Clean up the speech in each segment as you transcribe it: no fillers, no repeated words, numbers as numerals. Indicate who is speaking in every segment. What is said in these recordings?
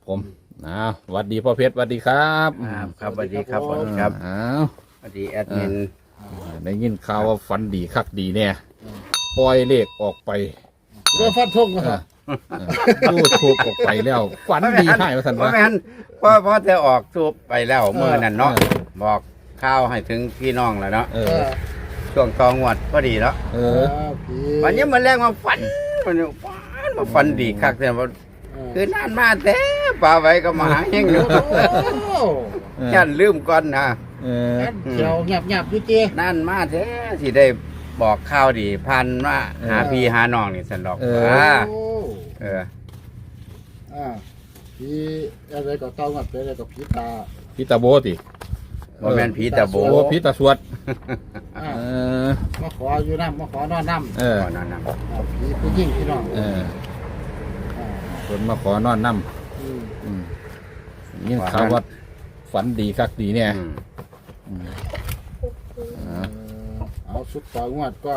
Speaker 1: ผมสวัสดีพ่อเพชรสวัสดีครับ
Speaker 2: ครับสวัสดีครับผมครับสวัสดีแอดมิน
Speaker 1: ได้ยินข่าวว่าฝันดีคักดีเนี่ยปล่อยเลขออกไป
Speaker 3: เรื่องฟันทงนะครับ
Speaker 1: ยูทูบออกไปแล้วฝันดีให้มาสัน
Speaker 2: เพราะ
Speaker 1: วะ
Speaker 2: แม่นเพราะจะออกทูบไปแล้วเมื่อนั้นเนาะบอกข้าวให้ถึงพี่น้องแล้วเนาะช่วงตองวดก็ดีแล้ววันนี้มันแรกมาฝันมาฝันดีคักแต่ว่าคือนานมาแต่ป่าไว้ก็มาหาเฮงอยู่ยันลืมก่อนนะ
Speaker 3: เขียวหยับอยู่เจ้
Speaker 2: นานมาแท้ที่ได้บอกข้าวดีพันว่าหาพี่หาน้องนี่สันดอก
Speaker 3: ผีอะไรก็เต้างับอะไรก็ผีตา
Speaker 1: พี่ตาโบติ
Speaker 2: ว่าแม่นผีตาโบ
Speaker 1: พี่ตาสวด
Speaker 3: มาขออยู่น้ำมาขอนอนน้ำ
Speaker 2: ก่อนนั้นนะ
Speaker 3: ผีผู้หญิงพี่น้อง
Speaker 1: คนมาขอนอนน้ำยิ่งข่าวว่าฝันดีคักดีเนี่ย
Speaker 3: เอาชุดต่องวดก็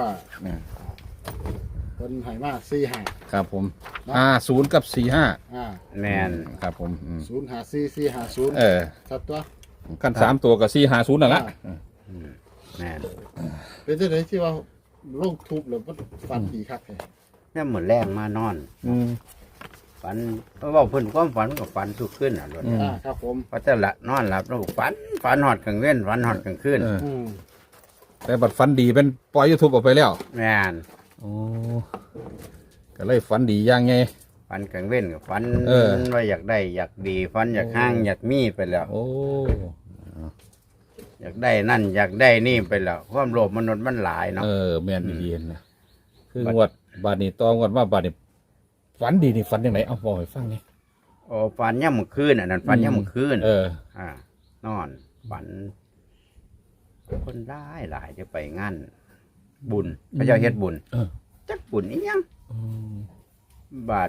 Speaker 3: คนไห่มาก4-5
Speaker 1: ครับผม50กับ45
Speaker 2: แมน
Speaker 1: ครับผม
Speaker 3: 0-5-4-4-5-0สัตว์ตัว
Speaker 1: กัน3ตัวกับ450นั่นแหละ
Speaker 2: แมน
Speaker 3: เป็นที่ไหนที่ว่าโรคทุบหรือว่าฟันดีคักแท้
Speaker 2: นี่เหมือนแรงมานอนฝันเพราะว่าเพิ่นความฝันกับฝันทุกขึ้นอ่ะรถ
Speaker 3: ครับผม
Speaker 2: เพราะจะละนอนหลับแล้วก็ฝันหอดกลางเว้นฝันหอดกลางคืน
Speaker 1: แต่บัดฝันดีเป็นปล่อยยูทูบออกไปแล้ว
Speaker 2: แมน
Speaker 1: โอ้ก็เลยฝันดีอย่างไง
Speaker 2: ฝันกลางเว้นกับฝันว่าอยากได้อยากดีฝันอยากห้างอยากมีไปแล้ว
Speaker 1: โอ้
Speaker 2: อยากได้นั่นอยากได้นี่ไปแล้วความโลภมนุษย์มันหลายเนาะ
Speaker 1: แม่นดีๆนะคืองวดบาดนี้ตองวดว่าบาดนี้ฝันดีนี่ฝันยังไงเอาบอกให้ฟังนี่
Speaker 2: โอ้ฝันย่ำมื้อคืนอันนั้นฝันย่ำมื้อคืนนอนฝันคนได้หลายจะไปงานบุญพระเจ้าเฮ็ดบุญจักบุญอีหยังบาท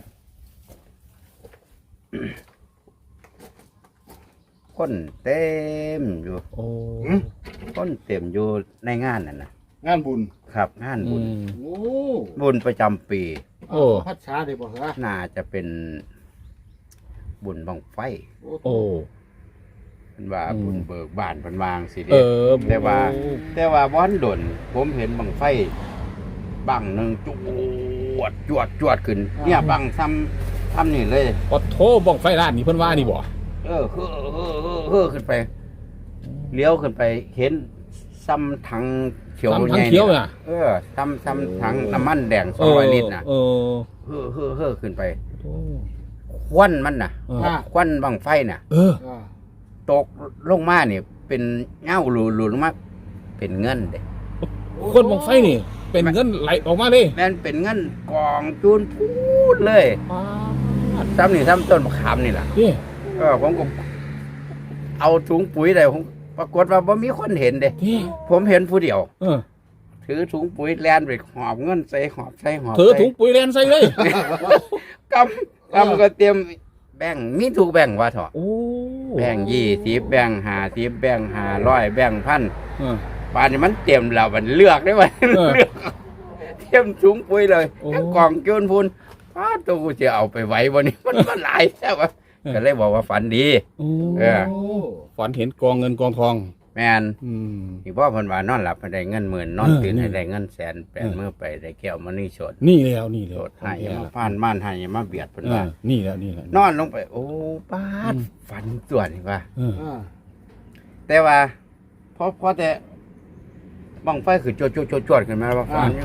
Speaker 2: คนเต็มอยู่
Speaker 1: โอ้
Speaker 2: คนเต็มอยู่ในงานนั่นนะ
Speaker 3: งานบุญ
Speaker 2: ครับงานบุญ
Speaker 3: โอ้
Speaker 2: บุญประจำปี
Speaker 3: พัดช้าได้บ่เหรอ
Speaker 2: น่าจะเป็นบุญบังไฟ
Speaker 1: โอ้
Speaker 2: เป็นว่าบุญเบิกบานเป็นวางสิเด แต่ว่าบ้านดนผมเห็นบังไฟบังหนึ่งจวดขึ้นเนี่ยบังทำนี่เลย
Speaker 1: ปอโทบ้องไฟร้านนี่เพิ่นว่านี่บ่
Speaker 2: ขึ้นไปเลี้ยวขึ้นไปเห็นซ้ำถังเขียว
Speaker 1: ทั้งเขียวน่ะ
Speaker 2: ซ้ำถังน้ำมันแดง200 ลิตรน่ะขึ้นไปควันมันน่ะควันบังไฟน่ะตกลงมาเนี่ยเป็นเงาหลุดลงมาเป็นเงินเด้
Speaker 1: คนบ้องไฟนี่ เป็นเงินไหลออกมาเลย
Speaker 2: แม่นเป็นเงินกองจูนพูดเลยซ้ำต้นมะขามนี่แหละ
Speaker 1: นี่
Speaker 2: ผมก็เอาถุงปุ๋ยได้ผมปรากฏว่าบ่มีคนเห็นเด้
Speaker 1: นี่
Speaker 2: ผมเห็นผู้เดียว
Speaker 1: ถื
Speaker 2: ถือถุงปุ๋ยแลนไปหอบเงินใส่หอบ
Speaker 1: อถุงปุ๋ยแลนใส่เลย
Speaker 2: กำก็เตรียมแบ่งมีถูกแบ่งว่าเถอะ
Speaker 1: โอ้
Speaker 2: แบ่ง20แบ่ง50แบ่ง500แบ่ง1,000ป่านนี้มันเตรียมแล้วมันเลือกได้ว่าเลือกเตรียมถุงปุ๋ยเลยกองโจนพูนป้าตัวกูจะเอาไปไว้วันนี้มันหลายแท้ว่าก็เลยบอกว่าฝันดี
Speaker 1: ฝันเห็นกองเงินกองทอง
Speaker 2: แมนที่พ่อพันวานอนหลับให้ได้เงิน10,000นอนตื่นให้ได้เงิน100,000แปลงมือไปได้แก้วมันนี่สด
Speaker 1: นี่แล้ว
Speaker 2: สดให้มาผ่านบ้านให้มาเบียดเพิ่นว่า
Speaker 1: นี่แล้ว
Speaker 2: นอนลงไปโอ้ป้าดฝันตัวนี่ว่า แต่ว่าพอแต่บังไฟคือจวดขึ้นมาว่าฝัน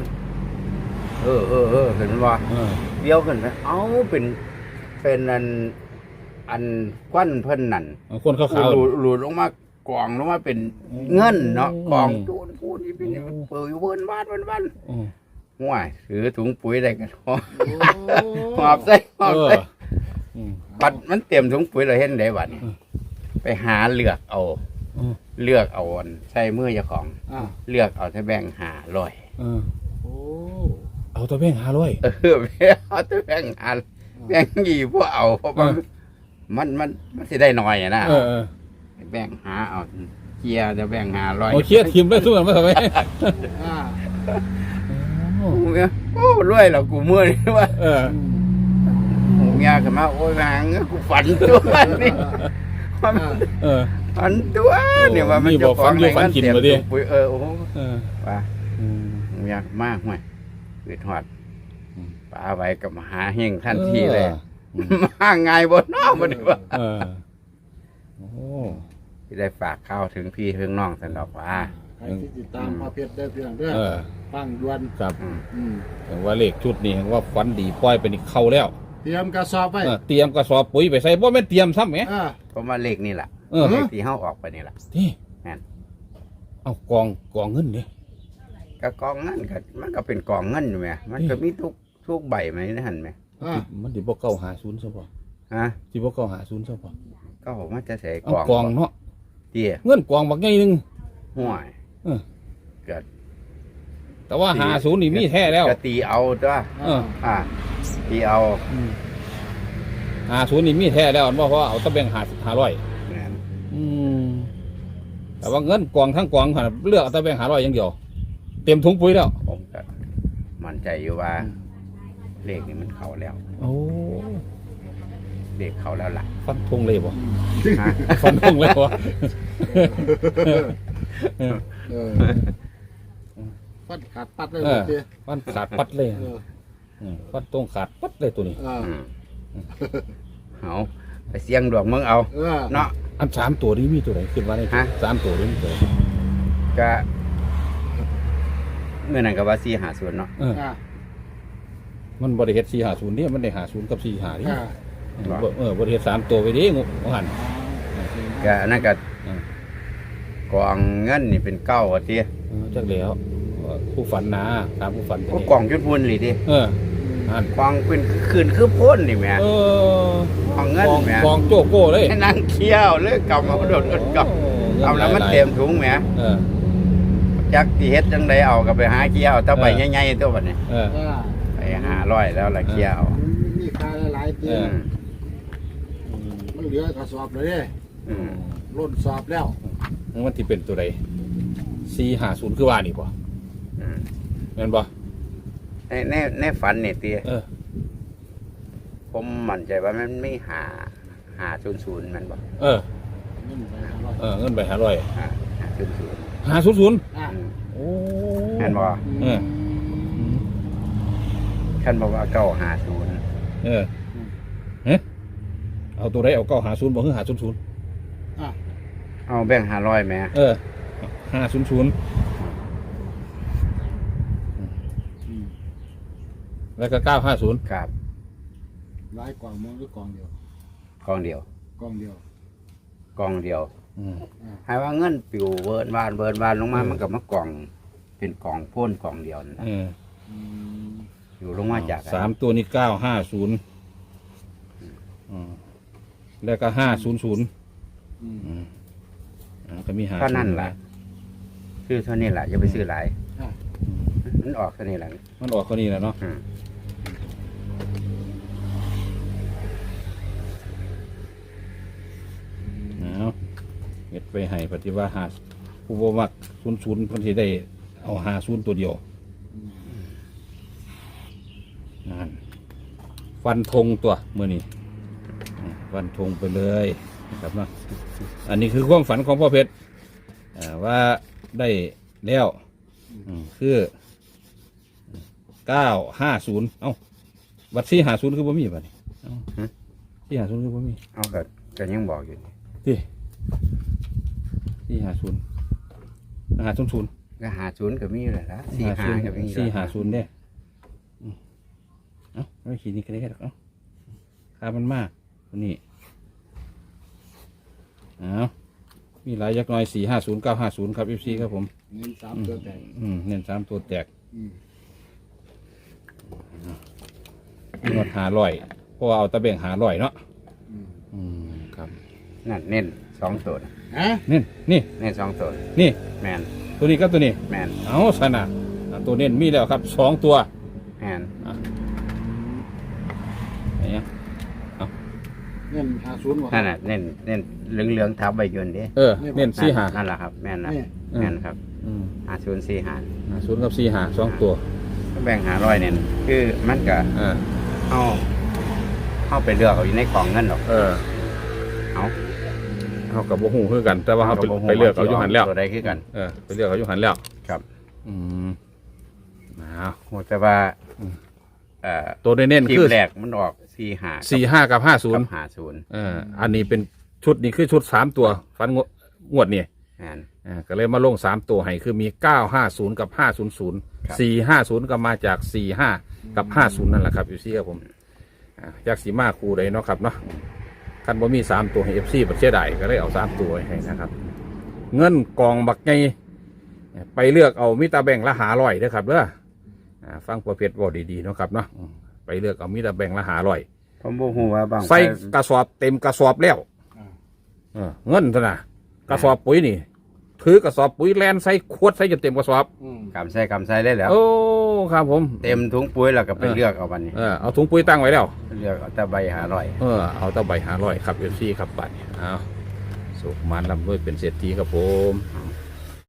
Speaker 2: ขึ้นมาเลี้ยวขึ้นไปเอ้าเป็นอันควันเพิ่นนั่น
Speaker 1: คนขาว
Speaker 2: หลุดลงมากองลงมาเป็นเงินเนาะกองจูนพูนนี่เป็นเปิดอยู่เวินบ้านห่วยถือถุงปุ๋ยได้กันหอบใส่บัดมันเตรียมถุงปุ๋ยเราเห็นได้บัดนี่ไปหาเลือกเอาใส่มือเจ้าของเลือกเอาแต่แบ่ง500
Speaker 1: เอาตัวแบ่ง500
Speaker 2: เอาแต่แบ่ง5แบ่ง20พวกเอาเพราะมันสิได้น้อยอ่ะนะแบ่งหาเอาเกียร์จะแบ่ง500
Speaker 1: โอเคทีมได้ทุกคนมาทำไม
Speaker 2: โอ้รวยแล้วกูเมื่อยว่ามียขึ้นมาโอ้ยหางกูฝันตัวนี่
Speaker 1: เออ
Speaker 2: ฝันตัวเนี่ยว่ามัน
Speaker 1: นี่บอกฝันอยู่ฝันกินบ่ดิ
Speaker 2: ปุ๋ยโอ้โห
Speaker 1: เออ
Speaker 2: ว่า
Speaker 1: อืม
Speaker 2: เมียมากห่วยเกิดหอดป้าไว้กับมหาเฮงทันทีเลย มาไงบนนอกบ่ได้ว่า
Speaker 1: เออโอ้
Speaker 2: ที่ได้ฝากข้าวถึงพี่ถึงน้องสันดอกว่า
Speaker 3: ใครที่ติดตามพ่อเพชรได้เพียงเด้อ
Speaker 1: เออ
Speaker 3: ฟังด่วน
Speaker 1: ครับ
Speaker 3: อืม
Speaker 1: แต่ว่าเลขชุดนี้ว่าฝันดีปล่อยไปนี่เข้าแล้ว
Speaker 3: เตรียมกระสอบไว้
Speaker 1: เตรียมกระสอบปุ๋ยไปใส่บ่แม่นเตรียมซ้ำแหม
Speaker 2: เพราะว่าเลขนี่แหละ
Speaker 1: เออ
Speaker 2: เลขที่เฮาออกไปนี่แหละ
Speaker 1: นี่
Speaker 2: แม่น
Speaker 1: เอากองเงินดิ
Speaker 2: ก็กองเงินก็มันก็เป็นกองเงินอยู่แหมมันก็มีทุกใบไหมนะหั่นแหม
Speaker 1: มันสิบ่เก้าหาศูนย์ซะบ่
Speaker 2: ฮะ
Speaker 1: สิบ่เก้าหาศูนย์ซะบ่
Speaker 2: ก็ผมว่าจะใส่
Speaker 1: เอา
Speaker 2: กอง
Speaker 1: กองเนาะ
Speaker 2: เตี้ย
Speaker 1: เงินกองบักใหญ่หนึง
Speaker 2: ห่วย
Speaker 1: เออ
Speaker 2: เกิด
Speaker 1: แต่ว่าหาศูนย์นี่มีแท้แล้ว
Speaker 2: ก็ตีเอาตัว
Speaker 1: เออ
Speaker 2: ตีเอา
Speaker 1: หาศูนย์นี่มีแท้แล้วเพราะว่าเอาตะแบ่ง500
Speaker 2: แม่น
Speaker 1: แต่ว่าเงินกองทั้งกองหั่นเลือกเอาตะแบ่ง500อย่างเดียว เต็มถุงปุ๋ยแล้ว
Speaker 2: ผมก็มั่นใจอยู่ว่า เลขนี่มันเข้าแล้ว
Speaker 1: โอ้
Speaker 2: เลขเข้าแล้วล่ะ
Speaker 1: ฟันธงเลยบ่
Speaker 2: ฮะ
Speaker 1: ฟันธงเลยบ่
Speaker 3: เออฟันขาดปัดเลย
Speaker 1: เออ
Speaker 3: เจ้
Speaker 1: ฟันขาดปัดเลย
Speaker 3: เออ
Speaker 1: ฟันตรงขาดปัดเลยตัวนี้
Speaker 3: เออ
Speaker 2: เอาไปเสี่ยงดวงมึงเอา
Speaker 3: เออ
Speaker 2: เนาะ
Speaker 1: อัน3ตัวนี้มีตัวไหนคิดว่าได้
Speaker 2: ฮะ
Speaker 1: 3ตัวนี้มีตัวไหน
Speaker 2: ก็เมื่อนั้นก็ว่า450เนาะ
Speaker 1: เออ
Speaker 3: อ่า
Speaker 1: มันบริเฮ็ด450เนี่ยมันได้50กับ45นี่
Speaker 3: อ่า
Speaker 1: บริเฮ็ด3ตัวไปดิงูหัน
Speaker 2: ก็อันนั้นก็
Speaker 1: อืม
Speaker 2: กองเงินนี่เป็นเก้าว่าติ
Speaker 1: จักแล้วผู้ฝันนะตามผู้ฝัน
Speaker 2: ก็กองจุดพุ่นนี่ดิ
Speaker 1: หัน
Speaker 2: กองเป็นคืนคือพ่นนี่แหม่
Speaker 1: เออก
Speaker 2: องเงินแหม่
Speaker 1: กองโจโก้เลย
Speaker 2: ให้นั่งเคี้ยวเลยกำมาโดดกำเอาแล้วมันเต็มถุงแหม่
Speaker 1: เออ
Speaker 2: จักที่เฮ็ดจังไดเอาก็ไปหาเคี้ยวถ้าใบใหญ่ๆตัวบัดนี้
Speaker 1: เออ
Speaker 3: เออ
Speaker 2: ไปหาร้อยแล้วละเคี้ยว
Speaker 3: มันมีค่าหลายๆเจ้
Speaker 1: เออ
Speaker 3: มันเหลือกระสอบเลยเด้
Speaker 2: อืม
Speaker 3: ล้นสอบแล้ว
Speaker 1: มันที่เป็นตัวใด450คือว่านี่บ่
Speaker 2: อืม
Speaker 1: แม่นบ่
Speaker 2: ในฝันนี่ติ
Speaker 1: เออ
Speaker 2: ผมมั่นใจว่ามันไม่หา00มันบ่
Speaker 1: เออ เงินไป500
Speaker 2: หา00
Speaker 1: 500
Speaker 3: อ่า
Speaker 1: โอ้
Speaker 2: แม่นบ่
Speaker 1: เออ
Speaker 2: คันบอกว่า950
Speaker 1: เออเฮ้เอาตัวใดเอา950บ่คือ500
Speaker 3: อ่า
Speaker 2: เอาแบ่ง500แหม่
Speaker 1: เออ500แล้วก็950
Speaker 2: ครับ
Speaker 3: หลายกล่องมองหรือกล่องเดียว
Speaker 2: กองเดียว
Speaker 3: กล่องเดียว
Speaker 2: กองเดียว
Speaker 1: อืม
Speaker 2: ให้ว่าเงินปิวเบิร์นบานลงมามันก็มากองเป็นกองโพ่นกองเดียวนั่นล่ะ
Speaker 1: เออ
Speaker 3: อืม
Speaker 2: อยู่ลงมาจาก
Speaker 1: สามตัวนี้950แล้วก็500
Speaker 3: อืม
Speaker 1: ก็มี5
Speaker 2: เท่านั้นล่ะซื้อเท่านี้ล่ะอย่าไปซื้อหลาย
Speaker 3: อ่า
Speaker 2: มันออกเท่านี้ล่ะ
Speaker 1: มันออกคนนี้แหละเนาะ
Speaker 2: อืม
Speaker 1: เอาเฮ็ดไปให้ปฏิว่าหาผู้บ่มัก00เพิ่นสิได้เอา50ตัวเดียวนั่นฟันธงตัวมื้อนี้ฟันธงไปเลยนะครับเนาะอันนี้คือความฝันของพ่อเพชรว่าได้แล้วคือ950เอ้าบัตร450คือบ่มีบัดนี้เอ้า450คือบ่มี
Speaker 2: เอาก็ยังบอกอยู่นี่
Speaker 1: ที่450 500
Speaker 2: ก็50ก็มีอยู่แล้วล่ะ45ก็มีอยู่แล้ว
Speaker 1: 450เนี่ยเอ้าไม่ขีดนี่ก็ได้หรอกเอ้าค่ามันมากตัวนี้เอ้ามีหลายยักษ์น้อย450 950ครับ FC ครับผม
Speaker 3: เงินสามตัวแตก
Speaker 1: เน้น3ตัวแตก
Speaker 3: อืม
Speaker 1: งวด500เพราะว่าเอาตะเบ่ง500เนาะ
Speaker 3: อืม
Speaker 1: ครับ
Speaker 2: นั่นเน้น2ตัว
Speaker 3: ฮะ
Speaker 1: เน้นนี่
Speaker 2: เน้น2ตัว
Speaker 1: นี่
Speaker 2: แม่น
Speaker 1: ตัวนี้กับตัวนี้
Speaker 2: แม่น
Speaker 1: เอาสนะตัวเน้นมีแล้วครับ2ตัว
Speaker 2: แม่น
Speaker 1: ไหนอะ
Speaker 3: เงิน50ว่ะ
Speaker 2: นั่นน่ะเน้นเหลืองๆทับใบยนต์ดิ
Speaker 1: เออเน้น45
Speaker 2: นั่นล่ะครับแม่นนะ
Speaker 3: นี่
Speaker 2: แม่นครับ
Speaker 1: 50
Speaker 2: 5045
Speaker 1: กับ45 2ตัว
Speaker 2: แบ่ง500เนี่ยคือมันก็
Speaker 1: อ่า
Speaker 2: เอาเข้าไปเลือกเอาอยู่ในกล่องเงินหรอก
Speaker 1: เออ
Speaker 2: เอา
Speaker 1: เขากับบ่ฮู้คือกัน แต่ว่าเขาไปเลือกเอาอยู่หันแล้ว
Speaker 2: ตัวใดคือกัน
Speaker 1: เออไปเลือกเอาอยู่หันแล้ว
Speaker 2: ครับ
Speaker 1: อืมเอา
Speaker 2: โหแต่ว่า
Speaker 1: ตัวเน้น
Speaker 2: ที
Speaker 1: ๆคือ
Speaker 2: มแรกมันออก45
Speaker 1: 45 กับ
Speaker 2: กับ
Speaker 1: 50อันนี้เป็นชุดนี้คือชุด3ตัวฟันงวดนี่
Speaker 2: 50นั่น
Speaker 1: ก็เลยมาลง3ตัวให้คือมี950กับ500
Speaker 2: ครับ
Speaker 1: 450ก็มาจาก45กับ50นั่นแหละครับอยู่ซี่ครับผมจากสีมาคูเลยเนาะครับเนาะคันบ่มี3ตัวให้ FC บ่เสียดายก็เลยเอา3ตัวให้นะครับ เงินกองบักไงไปเลือกเอามิตาแบ่งละ500เด้อครับเด้อฟังประเภทบ่ดีๆเนาะครับเนาะไปเลือกเอามิตาแบ่งละ500
Speaker 2: ผมบ่ฮู้ว่าบาง
Speaker 1: ใส่กระสอบเต็มกระสอบแล้วเงินซะนะกระสอบปุ๋ยนี่ถือกระสอบปุ๋ยแลนใส่ขวดใส่จนเต็มกระสอบ
Speaker 2: กำใส่ได้แล้ว
Speaker 1: โอ้ครับผม
Speaker 2: เต็มถุงปุ๋ยแล้วก็ไปเลือกเอาบัดนี้
Speaker 1: เอาถุงปุ๋ยตั้งไว้แล้ว
Speaker 2: เลือกเอาแต่ใบ500
Speaker 1: เอาตะใบ500ครับเอฟซีครับบัตรเอาสุขมันลำด้วยเป็นเศรษฐีครับผม
Speaker 2: เอา